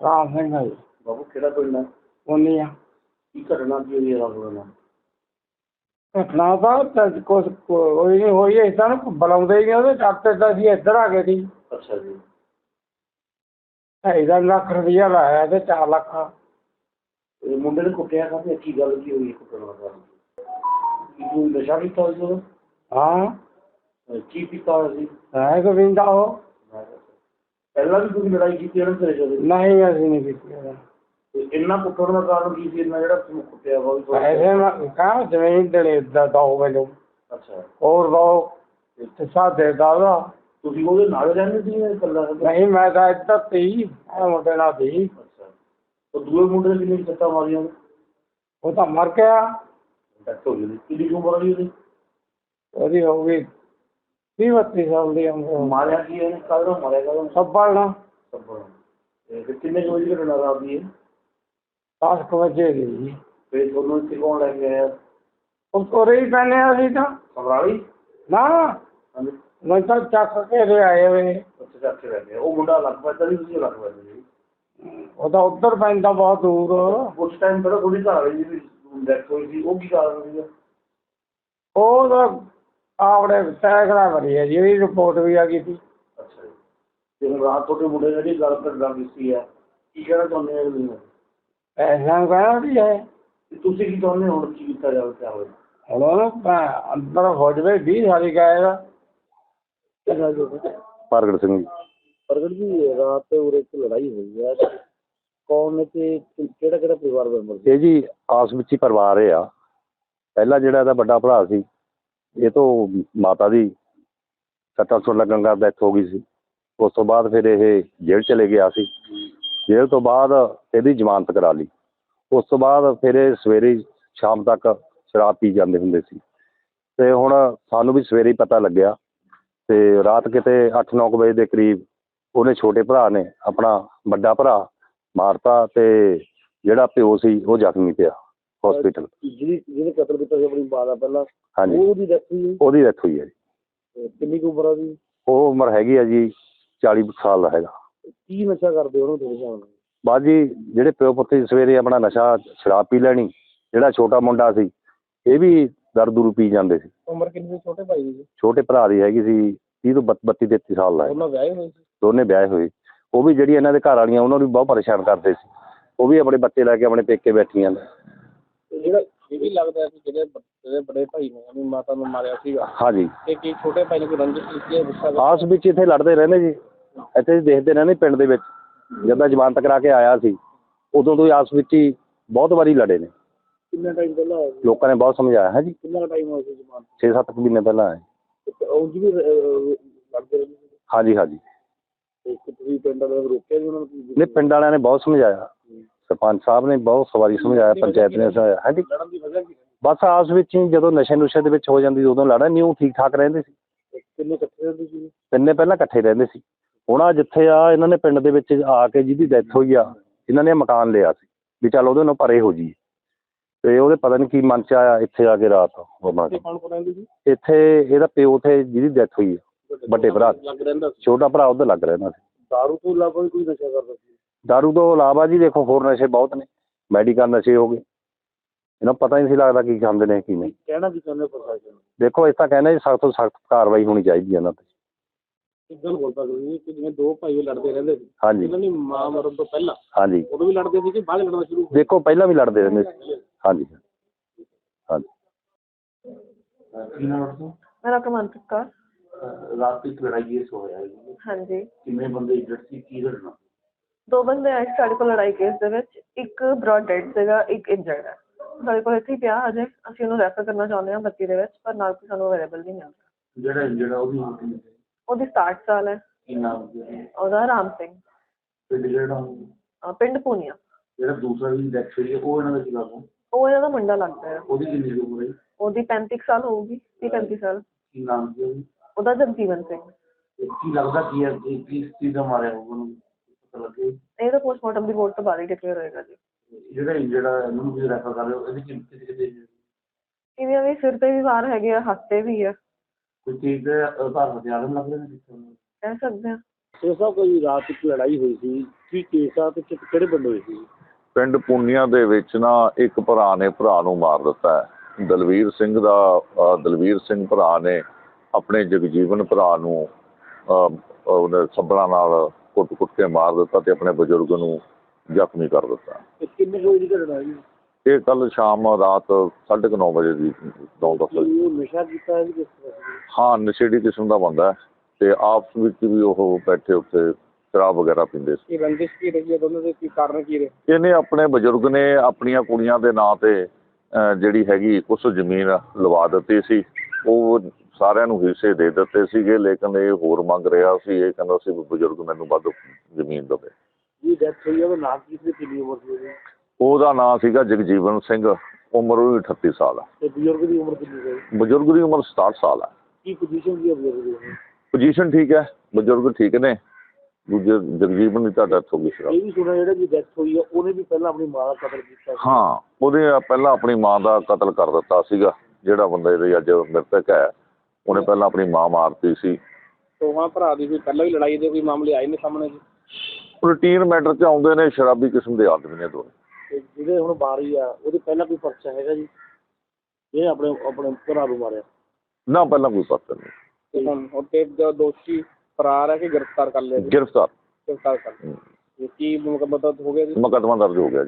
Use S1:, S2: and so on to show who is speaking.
S1: ਰਾਮ ਸਿੰਘ ਹੈ ਜੀ।
S2: ਬਾਬੂ ਕਿਹੜਾ ਪਿੰਡ ਹੈ?
S1: ਉਨੀ ਆ
S2: ਕੀ ਘਟਨਾ ਕੀ ਹੋਈ ਹੈ ਰਾਤ ਨੂੰ?
S1: ਘਟਨਾ ਤਾਂ ਕੁਛ ਕੋਈ ਨਹੀਂ ਹੋਈ। ਏਦਾਂ ਨੂੰ ਬੁਲਾਉਂਦੇ ਹੀ ਨਹੀਂ ਉਹਦੇ ਡਾਕਟਰ ਤਾਂ ਅਸੀਂ ਇੱਧਰ ਆ ਗਏ ਸੀ।
S2: ਅੱਛਾ ਜੀ।
S1: 2.5 ਲੱਖ ਰੁਪਈਆ ਲਾਇਆ ਤੇ 4 ਲੱਖ।
S2: ਇਹ ਮੁੰਡੇ ਨੇ ਕੁੱਟਿਆ ਕਾਹਤੇ? ਕੀ ਗੱਲ ਕੀ ਹੋਈ ਕੁੱਟਣ ਦਾ? ਕੀ ਤੂੰ ਨਸ਼ਾ ਕੀਤਾ ਹੋਇਆ ਸੀ ਉਦੋਂ?
S1: ਹਾਂ
S2: ਕੀ ਪੀਤਾ ਹੋਇਆ ਸੀ?
S1: ਹੈ ਗੋਵਿੰਦਾ ਉਹ।
S2: ਪਹਿਲਾਂ ਵੀ ਤੁਸੀਂ ਲੜਾਈ ਕੀਤੀ ਇਹਨਾਂ ਤੇਰੇ ਜਦੋਂ?
S1: ਨਹੀਂ ਅਸੀਂ ਨਹੀਂ ਕੀਤੀ।
S2: ਇੰਨਾ ਕੁੱਟਣ ਦਾ ਕਾਰਨ ਕੀ ਸੀ? ਇੰਨਾ ਜਿਹੜਾ ਤੁਹਾਨੂੰ ਕੁੱਟਿਆ ਵਾ?
S1: ਪੈਸੇ ਕਹਾਂ ਜ਼ਮੀਨ ਦੇਣੇ ਦੋ ਮੈਨੂੰ।
S2: ਅੱਛਾ।
S1: ਹੋਰ ਦੋ ਹਿੱਸਾ ਦੇ ਦਾਦਾ।
S2: ਤੁਸੀਂ ਉਹਦੇ ਨਾਲ ਰਹਿੰਦੇ ਸੀ ਜਾਂ ਇਕੱਲਾ?
S1: ਨਹੀਂ ਮੈਂ ਤਾਂ ਇੱਧਰ ਸੀ ਮੁੰਡੇ ਨਾਲ ਸੀ।
S2: ਅੱਛਾ। ਉਹ ਦੂਏ ਮੁੰਡੇ ਨੇ ਕਿੰਨੀ ਸੱਟਾਂ ਮਾਰੀਆਂ?
S1: ਉਹ ਤਾਂ ਮਰ ਗਿਆ।
S2: ਡੈਥ ਹੋ ਗਈ। ਕਿੰਨੀ ਉਮਰ ਆ ਉਹਦੀ?
S1: ਉਹਦੀ ਹੋ ਗਈ 30-32 ਸਾਲ ਦੀ ਉਮਰ।
S2: ਮਾਰਿਆ ਕੀ ਇਹਨੇ? ਕਾਹਦਾ ਮਾਰਿਆ? ਕਾਹਦਾ?
S1: ਸੱਬਲ ਨਾਲ।
S2: ਸੱਬਲ। ਤੇ ਕਿੰਨੇ ਕੁ ਵਜੇ ਘਟਨਾ ਰਾਤ ਦੀ ਹੈ?
S1: 10 ਵਜੇ ਦੀ ਜੀ।
S2: ਫਿਰ ਤੁਹਾਨੂੰ ਇੱਥੇ ਕੌਣ ਲੈ ਕੇ ਆਇਆ?
S1: ਉਹ ਕੋਰੇ ਹੀ ਪੈਨੇ ਅਸੀਂ ਤਾਂ।
S2: ਸਮਰਾਲੀ?
S1: ਨਾ
S2: ਹਾਂਜੀ।
S1: ਮੈਂ ਤਾਂ ਚੱਕ ਕੇ ਦੇ ਆਏ ਵੇ।
S2: ਉੱਥੇ ਚੱਕ ਕੇ ਲੈ ਗਏ। ਉਹ ਮੁੰਡਾ ਲੱਗ ਪੈਂਦਾ ਸੀ, ਤੁਸੀਂ ਲੱਗ ਪੈਂਦੇ ਸੀ?
S1: ਉਹ ਤਾਂ ਉੱਧਰ ਪੈਂਦਾ ਬਹੁਤ ਦੂਰ।
S2: ਉਸ ਟਾਈਮ ਪਹਿਲਾਂ ਥੋੜੀ ਘਰ ਵਾਲੀ ਦੀ ਡੈਥ ਹੋਈ ਸੀ, ਉਹ ਕੀ ਕਾਰਨ ਸੀਗਾ?
S1: ਉਹ ਤਾਂ ਆਪਣੇ ਸੈਕੜਾ ਭਰੀ ਹੈ ਜੀ। ਉਹਦੀ ਰਿਪੋਰਟ ਵੀ ਆ ਗਈ ਸੀ।
S2: ਅੱਛਾ ਜੀ। ਤੇ ਹੁਣ ਰਾਤ ਤੁਹਾਡੇ ਮੁੰਡੇ ਨੇ ਜਿਹੜੀ ਗੱਲ ਕਰ ਕੀਤੀ ਹੈ, ਕੀ ਕਹਿਣਾ ਚਾਹੁੰਦੇ ਹੋ ਤੁਸੀਂ?
S1: ਪੈਸਿਆਂ ਨੂੰ ਕਹਿਣਾ ਵੀ ਹੈ।
S2: ਤੁਸੀਂ ਕੀ ਚਾਹੁੰਦੇ ਹੋ ਹੁਣ ਕੀ ਕੀਤਾ ਜਾਵੇ? ਕਿਆ ਹੋਵੇ
S1: ਹੁਣ ਉਹਨੂੰ ਅੰਦਰ ਹੋ ਜਾਵੇ 20 ਸਾਲੀ ਗਾਏਗਾ।
S3: ਪ੍ਰਗਟ ਸਿੰਘ ਜੀ।
S2: ਪ੍ਰਗਟ ਜੀ, ਰਾਤ ਉਰੇ ਇੱਕ ਲੜਾਈ ਹੋਈ ਹੈ, ਕੌਣ ਨੇ ਤੇ ਕਿਹੜਾ ਕਿਹੜਾ ਪਰਿਵਾਰ ਮੈਂਬਰ?
S3: ਇਹ ਜੀ ਆਸ ਵਿੱਚ ਹੀ ਪਰਿਵਾਰ ਇਹ ਆ। ਪਹਿਲਾਂ ਜਿਹੜਾ ਇਹਦਾ ਵੱਡਾ ਭਰਾ ਸੀ, ਇਹ ਤੋਂ ਮਾਤਾ ਦੀ ਸੱਟਾਂ ਸੁੱਟਾਂ ਲੱਗਣ ਦਾ ਡੈਥ ਹੋ ਗਈ ਸੀ। ਉਸ ਤੋਂ ਬਾਅਦ ਫਿਰ ਇਹ ਜੇਲ੍ਹ ਚਲੇ ਗਿਆ ਸੀ। ਜੇਲ੍ਹ ਤੋਂ ਬਾਅਦ ਇਹਦੀ ਜ਼ਮਾਨਤ ਕਰਾ ਲਈ। ਉਸ ਤੋਂ ਬਾਅਦ ਫਿਰ ਇਹ ਸਵੇਰੇ ਸ਼ਾਮ ਤੱਕ ਸ਼ਰਾਬ ਪੀ ਜਾਂਦੇ ਹੁੰਦੇ ਸੀ। ਅਤੇ ਹੁਣ ਸਾਨੂੰ ਵੀ ਸਵੇਰੇ ਹੀ ਪਤਾ ਲੱਗਿਆ। ਅਤੇ ਰਾਤ ਕਿਤੇ 8-9 ਵਜੇ ਦੇ ਕਰੀਬ ਉਹਨੇ ਛੋਟੇ ਭਰਾ ਨੇ ਆਪਣਾ ਵੱਡਾ ਭਰਾ ਮਾਰਤਾ ਅਤੇ ਜਿਹੜਾ ਪਿਓ ਸੀ ਉਹ ਜ਼ਖਮੀ ਪਿਆ ਹੋਸਪਿਟਲ।
S2: ਜਿਹਨੇ ਕਤਲ ਕੀਤਾ ਸੀ ਆਪਣੀ ਮਾਂ ਦਾ ਪਹਿਲਾਂ?
S3: ਹਾਂਜੀ।
S2: ਉਹਦੀ ਡੈਥ ਹੋਈ?
S3: ਉਹਦੀ ਡੈਥ ਹੋਈ ਹੈ ਜੀ।
S2: ਕਿੰਨੀ ਕੁ ਉਮਰ ਆ ਉਹਦੀ?
S3: ਉਹ ਉਮਰ ਹੈਗੀ ਆ ਜੀ 40 ਸਾਲ ਦਾ ਹੈਗਾ।
S2: ਕੀ ਨਸ਼ਾ ਕਰਦੇ ਉਹਨੂੰ ਤੁਹਾਡੇ ਹਿਸਾਬ ਨਾਲ?
S3: ਬਸ ਜੀ ਜਿਹੜੇ ਪਿਓ ਪੁੱਤ ਸਵੇਰੇ ਆਪਣਾ ਨਸ਼ਾ ਸ਼ਰਾਬ ਪੀ ਲੈਣੀ। ਜਿਹੜਾ ਛੋਟਾ ਮੁੰਡਾ ਸੀ ਇਹ ਵੀ ਦਾਰੂ ਦੂਰੂ ਪੀ ਜਾਂਦੇ ਸੀ।
S2: ਉਮਰ ਕਿੰਨੀ ਸੀ ਛੋਟੇ ਭਾਈ ਦੀ?
S3: ਛੋਟੇ ਭਰਾ ਦੀ ਹੈਗੀ ਸੀ 30 ਤੋਂ 32-33 ਸਾਲ ਦਾ।
S2: ਉਹਨਾਂ ਵਿਆਹੇ ਹੋਏ ਸੀ?
S3: ਦੋਨੇ ਵਿਆਹੇ ਹੋਏ। ਉਹ ਵੀ ਜਿਹੜੀ ਇਹਨਾਂ ਦੇ ਘਰ ਵਾਲੀਆਂ ਉਹਨਾਂ ਨੂੰ ਵੀ ਬਹੁਤ ਪਰੇਸ਼ਾਨ ਕਰਦੇ ਸੀ। ਉਹ ਵੀ ਆਪਣੇ ਬੱਚੇ ਲੈ ਕੇ ਆਪਣੇ ਪੇਕੇ ਬੈਠੀਆਂ ਨੇ।
S2: ਜਿਹੜਾ ਇਹ ਵੀ ਲੱਗਦਾ ਸੀ ਜਿਹੜੇ ਬੜੇ ਭਾਈ ਨੇ ਆਪਣੀ ਮਾਤਾ ਨੂੰ ਮਾਰਿਆ ਸੀਗਾ।
S3: ਹਾਂਜੀ।
S2: ਤੇ ਕੀ ਛੋਟੇ ਭਾਈ ਨੇ ਕੋਈ ਰੰਜਿਸ਼ ਕੀਤੀ ਹੈ? ਗੁੱਸਾ
S3: ਆਸ ਵਿੱਚ ਇੱਥੇ ਲੜਦੇ ਰਹਿੰਦੇ ਜੀ। ਇੱਥੇ ਦੇਖਦੇ ਰਹਿੰਦੇ ਪਿੰਡ ਦੇ ਵਿੱਚ। ਜਦੋਂ ਜ਼ਮਾਨਤ ਕਰਾ ਕੇ ਆਇਆ ਸੀ ਉਦੋਂ ਤੋਂ ਹੀ ਆਸ ਵਿੱਚ ਹੀ ਬਹੁਤ ਵਾਰੀ ਲੜੇ ਨੇ।
S2: ਕਿੰਨਾ ਟਾਈਮ ਪਹਿਲਾਂ?
S3: ਲੋਕਾਂ ਨੇ ਬਹੁਤ ਸਮਝਾਇਆ ਹੈ ਜੀ।
S2: ਕਿੰਨਾ ਟਾਈਮ ਹੋਇਆ ਸੀ ਜ਼ਮਾਨਤ?
S3: 6-7 ਮਹੀਨੇ ਪਹਿਲਾਂ ਆਏ।
S2: ਉਹ ਜੀ ਵੀ ਲੜਦੇ ਰਹਿੰਦੇ ਸੀ?
S3: ਹਾਂਜੀ ਹਾਂਜੀ।
S2: ਤੁਸੀਂ ਪਿੰਡ ਵਾਲਿਆਂ ਨੂੰ ਰੋਕਿਆ ਜੀ ਉਹਨਾਂ ਨੂੰ?
S3: ਨਹੀਂ, ਪਿੰਡ ਵਾਲਿਆਂ ਨੇ ਬਹੁਤ ਸਮਝਾਇਆ। ਸਰਪੰਚ ਸਾਹਿਬ ਨੇ ਬਹੁਤ ਵਾਰੀ ਸਮਝਾਇਆ, ਪੰਚਾਇਤ ਨੇ ਸਮਝਾਇਆ। ਹਾਂਜੀ।
S2: ਲੜਨ ਦੀ ਵਜ੍ਹਾ ਕੀ?
S3: ਬਸ ਆਸ ਵਿੱਚ ਹੀ ਜਦੋਂ ਨਸ਼ੇ ਨੁਸ਼ੇ ਦੇ ਵਿੱਚ ਹੋ ਜਾਂਦੀ ਉਦੋਂ ਲੜਨ ਨਹੀਂ। ਉਹ ਠੀਕ ਠਾਕ ਰਹਿੰਦੇ ਸੀ।
S2: ਕਿੰਨੇ ਇਕੱਠੇ ਰਹਿੰਦੇ ਸੀ?
S3: ਤਿੰਨੇ ਪਹਿਲਾਂ ਇਕੱਠੇ ਰਹਿੰਦੇ ਸੀ। ਹੁਣ ਆ ਜਿੱਥੇ ਆ ਇਹਨਾਂ ਨੇ ਪਿੰਡ ਦੇ ਵਿੱਚ ਆ ਕੇ ਜਿਹਦੀ ਡੈਥ ਹੋਈ ਆ ਇਹਨਾਂ ਨੇ ਮਕਾਨ ਲਿਆ ਸੀ ਵੀ ਚੱਲ ਉਹਦੇ ਨਾਲ ਪਰੇ ਹੋ ਜਾਈਏ। ਅਤੇ ਉਹਦੇ ਪਤਾ ਨਹੀਂ ਕੀ ਮਨ 'ਚ ਆਇਆ ਇੱਥੇ ਆ ਕੇ ਰਾਤ ਹੋਣਾ। ਇੱਥੇ ਇਹਦਾ ਪਿਓ ਉੱਥੇ ਜਿਹਦੀ ਡੈਥ ਹੋਈ ਆ ਵੱਡੇ ਭਰਾ, ਛੋਟਾ ਭਰਾ ਉੱਧਰ ਲੱਗ ਰਹਿੰਦਾ ਸੀ।
S2: ਦਾਰੂ ਤੋਂ ਇਲਾਵਾ ਵੀ ਕੋਈ ਨਸ਼ਾ ਕਰਦਾ ਸੀ?
S3: ਦਾਰੂ ਤੋਂ ਇਲਾਵਾ ਜੀ ਦੇਖੋ ਹੋਰ ਨਸ਼ੇ ਬਹੁਤ ਨੇ। ਮੈਡੀਕਲ ਨਸ਼ੇ ਹੋ ਗਏ। ਇਹਨਾਂ ਨੂੰ ਪਤਾ ਹੀ ਨਹੀਂ ਸੀ ਲੱਗਦਾ ਕੀ ਖਾਂਦੇ ਨੇ ਕੀ ਨਹੀਂ।
S2: ਕਹਿਣਾ ਕੀ ਚਾਹੁੰਦੇ ਪ੍ਰਸ਼ਾਸਨ ਨੂੰ?
S3: ਦੇਖੋ ਇਸ ਤਾਂ ਕਹਿੰਦੇ ਜੀ ਸਖਤ ਤੋਂ ਸਖਤ ਕਾਰਵਾਈ ਹੋਣੀ ਚਾਹੀਦੀ ਹੈ ਇਹਨਾਂ 'ਤੇ।
S2: ਇੱਕ ਗੱਲ ਬੋਲਦਾ ਤੁਸੀਂ ਕਿ ਜਿਵੇਂ ਦੋ ਭਾਈ ਲੜਦੇ ਰਹਿੰਦੇ ਸੀ।
S3: ਹਾਂਜੀ।
S2: ਇਹਨਾਂ ਦੀ ਮਾਂ ਮਰਨ ਤੋਂ ਪਹਿਲਾਂ?
S3: ਹਾਂਜੀ।
S2: ਉਦੋਂ ਵੀ ਲੜਦੇ ਸੀ ਕਿ ਬਾਅਦ ਲੜਨਾ ਸ਼ੁਰੂ?
S3: ਦੇਖੋ ਪਹਿਲਾਂ ਵੀ ਲੜਦੇ ਰਹਿੰਦੇ ਸੀ। ਹਾਂਜੀ ਹਾਂਜੀ।
S4: ਮੇਰਾ ਕਮਲਪ੍ਰੀਤ ਕੌਰ।
S2: ਰਾਤ ਇੱਕ ਲੜਾਈ ਕੇਸ ਹੋਇਆ ਹੈ?
S4: ਹਾਂਜੀ।
S2: ਕਿੰਨੇ ਬੰਦੇ ਇੰਜਰਡ ਸੀ? ਕੀ ਘਟਨਾ?
S4: 2 ਬੰਦੇ ਆਏ ਸਾਡੇ ਕੋਲ ਲੜਾਈ ਕੇਸ ਦੇ ਵਿੱਚ। ਇੱਕ ਬ੍ਰੌਡ ਡੈਡ ਸੀਗਾ, ਇੱਕ ਇੰਜਰਡ ਹੈ। ਸਾਡੇ ਕੋਲ ਇੱਥੇ ਹੀ ਪਿਆ ਅਜੇ। ਅਸੀਂ ਉਹਨੂੰ ਰੈਫਰ ਕਰਨਾ ਚਾਹੁੰਦੇ ਹਾਂ 32 ਦੇ ਵਿੱਚ, ਪਰ ਨਾਲ ਕੋਈ ਸਾਨੂੰ ਅਵੇਲੇਬਲ ਨਹੀਂ ਮਿਲ ਰਿਹਾ।
S2: ਜਿਹੜਾ ਇੰਜਰਡ ਆ
S4: ਉਹਦੀ 60 ਸਾਲ ਹੈ।
S2: ਕੀ ਨਾਮ?
S4: ਉਹਦਾ ਰਾਮ ਸਿੰਘ।
S2: ਪਿੰਡ ਜਿਹੜਾ?
S4: ਪਿੰਡ ਪੂਨੀਆ।
S2: ਜਿਹੜਾ ਦੂਸਰਾ ਵੀ ਡੈਥ ਹੋਈ ਹੈ ਉਹ ਇਹਨਾਂ ਦਾ ਕੀ ਲੱਗਦਾ?
S4: ਉਹ ਇਹਨਾਂ ਦਾ ਮੁੰਡਾ ਲੱਗਦਾ ਹੈ।
S2: ਉਹਦੀ ਕਿੰਨੀ ਉਮਰ ਹੈ?
S4: ਉਹਦੀ 35 ਸਾਲ ਹੋਊਗੀ, 30-35 ਸਾਲ।
S2: ਕੀ ਨਾਮ ਸੀ ਉਹਦੀ?
S4: ਉਹਦਾ ਜਗਜੀਵਨ ਸਿੰਘ।
S2: ਕੀ ਲੱਗਦਾ ਕੀ ਹੈ ਕਿਸ ਚੀਜ਼ ਦਾ ਮਾਰਿਆ ਹੋਊਗਾ ਉਹਨੂੰ? ਪਤਾ ਲੱਗੇ?
S4: ਇਹ ਤਾਂ ਪੋਸਟਮਾਰਟਮ ਰਿਪੋਰਟ ਤੋਂ ਬਾਅਦ ਹੀ ਡਿਕਲੇਅਰ ਹੋਏਗਾ ਜੀ।
S2: ਜਿਹੜਾ ਇੰਜਰਡ ਆ ਇਹਨੂੰ ਤੁਸੀਂ ਰੈਫਰ ਕਰ ਰਹੇ ਹੋ, ਇਹਦੀ ਕਿਤੇ
S4: ਇਹਦੀਆਂ ਵੀ ਸਿਰ 'ਤੇ ਵੀ ਵਾਰ ਹੈਗੇ ਆ, ਹੱਥ 'ਤੇ ਵੀ ਆ।
S2: ਕੋਈ ਚੀਜ਼ ਦੇ ਆਧਾਰ ਹਥਿਆਰ ਲੱਗ ਰਹੇ ਨੇ?
S4: ਕਹਿ ਸਕਦੇ ਹਾਂ।
S2: ਸਰ ਸਾਹਿਬ ਕੋਈ ਰਾਤ ਇੱਕ ਲੜਾਈ ਹੋਈ ਸੀ ਕੀ ਕੇਸ ਆ ਤੇ ਕਿਹੜੇ ਪਿੰਡ ਹੋਏ ਸੀ?
S3: ਪਿੰਡ ਪੁੰਨੀਆਂ ਦੇ ਵਿੱਚ ਨਾ ਇੱਕ ਭਰਾ ਨੇ ਭਰਾ ਨੂੰ ਮਾਰ ਦਿੱਤਾ ਹੈ। ਦਲਵੀਰ ਸਿੰਘ ਭਰਾ ਨੇ ਆਪਣੇ ਜਗਜੀਵਨ ਭਰਾ ਨੂੰ ਉਹਨੇ ਸੱਬਲਾਂ ਨਾਲ ਕੁੱਟ ਕੇ ਮਾਰ ਦਿੱਤਾ ਤੇ ਆਪਣੇ ਬਜ਼ੁਰਗ ਨੂੰ ਜ਼ਖਮੀ ਕਰ ਦਿੱਤਾ।
S2: ਇਹ ਕਿੰਨੇ ਵਜੇ ਦੀ ਘਟਨਾ ਜੀ?
S3: ਇਹ ਕੱਲ ਸ਼ਾਮ ਰਾਤ 9:30 ਵਜੇ ਦੀ 9:10 ਵਜੇ।
S2: ਉਹ ਨਸ਼ਾ ਕੀਤਾ ਹੈ ਜੀ ਕਿਸ ਤਰ੍ਹਾਂ?
S3: ਹਾਂ, ਨਸ਼ੇੜੀ ਕਿਸਮ ਦਾ ਬੰਦਾ ਹੈ ਤੇ ਆਪਸ ਵਿੱਚ ਵੀ ਉਹ ਬੈਠੇ ਉੱਤੇ ਸ਼ਰਾਬ ਵਗੈਰਾ ਪੀਂਦੇ ਸੀ।
S1: ਇਹ ਰੰਜਿਸ਼ ਕੀ ਰਹੀ ਹੈ ਦੋਨਾਂ ਦੇ, ਕੀ ਕਾਰਨ ਕੀ ਰਹੇ?
S3: ਇਹਨੇ ਆਪਣੇ ਬਜ਼ੁਰਗ ਨੇ ਆਪਣੀਆਂ ਕੁੜੀਆਂ ਦੇ ਨਾਂ ਤੇ ਜਿਹੜੀ ਹੈਗੀ ਕੁਛ ਜ਼ਮੀਨ ਲਵਾ ਦਿੱਤੀ ਸੀ। ਉਹ ਸਾਰਿਆਂ ਨੂੰ ਹਿੱਸੇ ਦੇ ਦਿੱਤੇ ਸੀਗੇ, ਲੇਕਿਨ ਇਹ ਹੋਰ ਮੰਗ ਰਿਹਾ ਸੀ। ਇਹ ਕਹਿੰਦਾ ਸੀ ਵੀ ਬਜ਼ੁਰਗ ਮੈਨੂੰ ਵੱਧ ਜ਼ਮੀਨ ਦੇਵੇ।
S2: ਜੀ ਡੈਥ ਹੋਈ ਆ, ਉਹਦਾ ਨਾਮ ਕੀ ਸੀ, ਕਿੰਨੀ ਉਮਰ ਸੀ ਉਹਦੀ?
S3: ਉਹਦਾ ਨਾਂ ਸੀਗਾ ਜਗਜੀਵਨ ਸਿੰਘ, ਉਮਰ ਉਹਦੀ 38 ਸਾਲ ਆ।
S2: ਤੇ ਬਜ਼ੁਰਗ ਦੀ ਉਮਰ ਕਿੰਨੀ ਸੀ?
S3: ਬਜ਼ੁਰਗ ਦੀ ਉਮਰ 67 ਸਾਲ ਆ।
S2: ਕੀ ਪੋਜੀਸ਼ਨ ਕੀ ਹੈ ਬਜ਼ੁਰਗ ਦੀ?
S3: ਪੋਜੀਸ਼ਨ ਠੀਕ ਹੈ, ਬਜ਼ੁਰਗ ਠੀਕ ਨੇ। ਦੂਜੇ ਜਗਜੀਵਨ ਦੀ ਤਾਂ ਡੈਥ ਹੋ ਗਈ ਸੀ।
S2: ਇਹ ਵੀ ਸੁਣਿਆ ਜਿਹੜਾ ਜੀ ਡੈਥ ਹੋਈ ਆ ਉਹਨੇ ਵੀ ਪਹਿਲਾਂ ਆਪਣੀ ਮਾਂ ਦਾ ਕਤਲ ਕੀਤਾ ਸੀ।
S3: ਹਾਂ, ਉਹਦੇ ਪਹਿਲਾਂ ਆਪਣੀ ਮਾਂ ਦਾ ਕਤਲ ਕਰ ਦਿੱਤਾ ਸੀਗਾ। ਜਿਹੜਾ ਬੰਦਾ ਇਹਦੇ ਅੱਜ ਮ੍ਰਿਤਕ ਹੈ, ਉਹਨੇ ਪਹਿਲਾਂ ਆਪਣੀ ਮਾਂ ਮਾਰਤੀ ਸੀ।
S1: ਦੋਵਾਂ ਭਰਾ ਦੀ ਕੋਈ ਪਹਿਲਾਂ ਵੀ ਲੜਾਈ ਦੇ ਕੋਈ ਮਾਮਲੇ ਆਏ ਨੇ ਸਾਹਮਣੇ ਜੀ?
S3: ਰੂਟੀਨ ਮੈਟਰ 'ਚ ਆਉਂਦੇ ਨੇ, ਸ਼ਰਾਬੀ ਕਿਸਮ ਦੇ ਆਦਮੀ ਨੇ ਦੋਨੇ।
S2: ਤੇ ਜਿਹੜੇ ਹੁਣ ਬਾਰੀ ਆ ਉਹਦੇ ਪਹਿਲਾਂ ਕੋਈ ਪਰਚਾ ਹੈਗਾ ਜੀ? ਇਹ ਆਪਣੇ ਭਰਾ ਨੂੰ ਮਾਰਿਆ?
S3: ਨਾ, ਪਹਿਲਾਂ ਕੋਈ ਪਤਾ ਨਹੀਂ।
S1: ਤੇ ਹੁਣ ਤੇ ਦੋਸ਼ੀ ਫਰਾਰ ਹੈ ਕਿ ਗ੍ਰਿਫਤਾਰ ਕਰ ਲਿਆ ਜੀ?
S3: ਗ੍ਰਿਫਤਾਰ
S1: ਗ੍ਰਿਫਤਾਰ ਕਰ ਲਿਆ। ਕੀ ਮਤਲਬ ਹੋ ਗਿਆ ਜੀ?
S3: ਮੁਕੱਦਮਾ ਦਰਜ ਹੋ ਗਿਆ ਜੀ।